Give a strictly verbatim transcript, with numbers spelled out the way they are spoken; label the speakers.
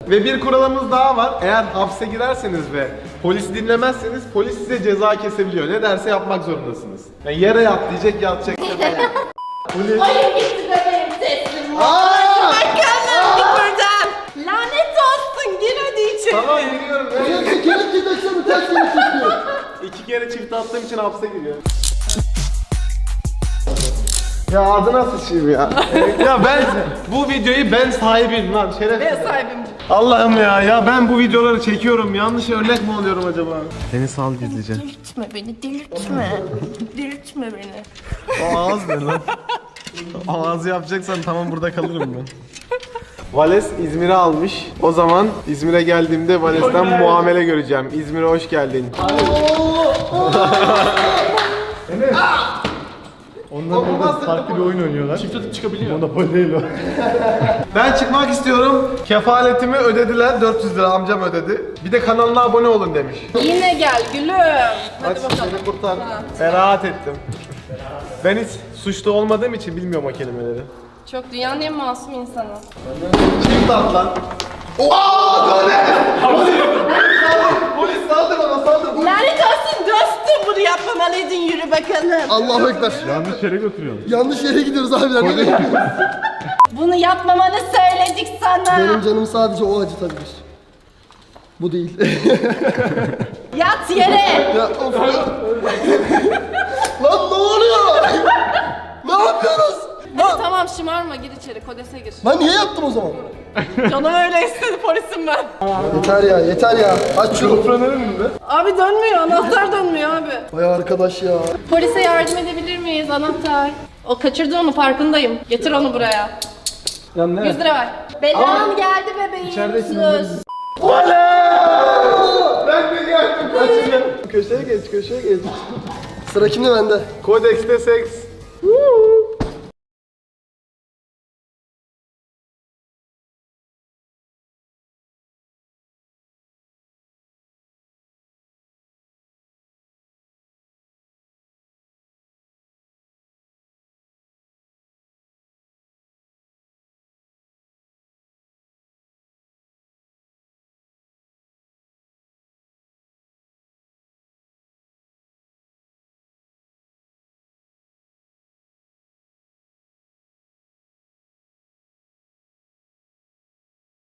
Speaker 1: Ve bir kuralımız daha var. Eğer hapse girerseniz ve polisi dinlemezseniz polis size ceza kesebiliyor. Ne derse yapmak zorundasınız. Yani yere yat diyecek, yatacak. Polis...
Speaker 2: Hayır gitti bebeğim teslim ol.
Speaker 1: Aa!
Speaker 2: Bakalım git buradan. Lanet olsun gir hadi içeri.
Speaker 1: Tamam giriyorum. Evet.
Speaker 3: İki kere gideceksin, ters kere çıkıyor.
Speaker 1: İki kere çift attığım için hapse giriyor. Ya adına sıçayım ya. Ya ben bu videoyu ben sahibiyim lan şerefsiz.
Speaker 2: Ben sahibim.
Speaker 1: Allah'ım ya ya ben bu videoları çekiyorum. Yanlış örnek mi oluyorum acaba? Seni sal gizlice.
Speaker 2: Delirtme beni delirtme. Delirtme beni.
Speaker 1: O ağız ne lan? O ağzı yapacaksan tamam burada kalırım ben. Vales İzmir'e almış. O zaman İzmir'e geldiğimde Vales'ten muamele göreceğim. İzmir'e hoş geldin.
Speaker 4: Onlar burada farklı bir oyun oynuyorlar.
Speaker 1: Çift atıp çıkabiliyor.
Speaker 4: Monopol değil o.
Speaker 1: Ben çıkmak istiyorum. Kefaletimi ödediler. dört yüz lira amcam ödedi. Bir de kanalına abone olun demiş.
Speaker 2: Yine gel gülüm. Hadi
Speaker 1: Aç
Speaker 2: bakalım.
Speaker 1: beni kurtar. Ferahat ettim. Ben hiç suçlu olmadığım için bilmiyorum o kelimeleri.
Speaker 2: Çok dünyanın en masum insanı.
Speaker 1: Çift at lan. Ooo! Döne! Polis saldır bana saldır.
Speaker 2: Lanet olsun dostum bunu yapmamalıydın yürü bakalım.
Speaker 3: Allahu Ekber.
Speaker 4: Yanlış yere götürüyorsun.
Speaker 3: Yanlış yere gidiyoruz abiler. Nereye gidiyoruz?
Speaker 2: Bunu yapmamanı söyledik sana.
Speaker 3: Benim canım sadece o acıtabilir. Bu değil.
Speaker 2: Yat yere.
Speaker 3: Ya of ya. Lan ne oluyor? Ne yapıyoruz?
Speaker 2: Hadi tamam şımarma gir içeri kodese gir.
Speaker 3: Ben niye yaptım o zaman?
Speaker 2: Canım öyle istedi polisim ben.
Speaker 3: Yeter ya, yeter ya. Aç şunu.
Speaker 2: Abi dönmüyor anahtar dönmüyor abi.
Speaker 3: Vay arkadaş ya.
Speaker 2: Polise yardım edebilir miyiz anahtar? O kaçırdı onu farkındayım. Getir onu buraya.
Speaker 1: Ya ne?
Speaker 2: yüz lira ver. Belam geldi bebeğim. Söz.
Speaker 1: Ben de geldim kaçırdım. Köşeye geç köşeye geç.
Speaker 3: Sıra kimde bende?
Speaker 1: Kodekste seks.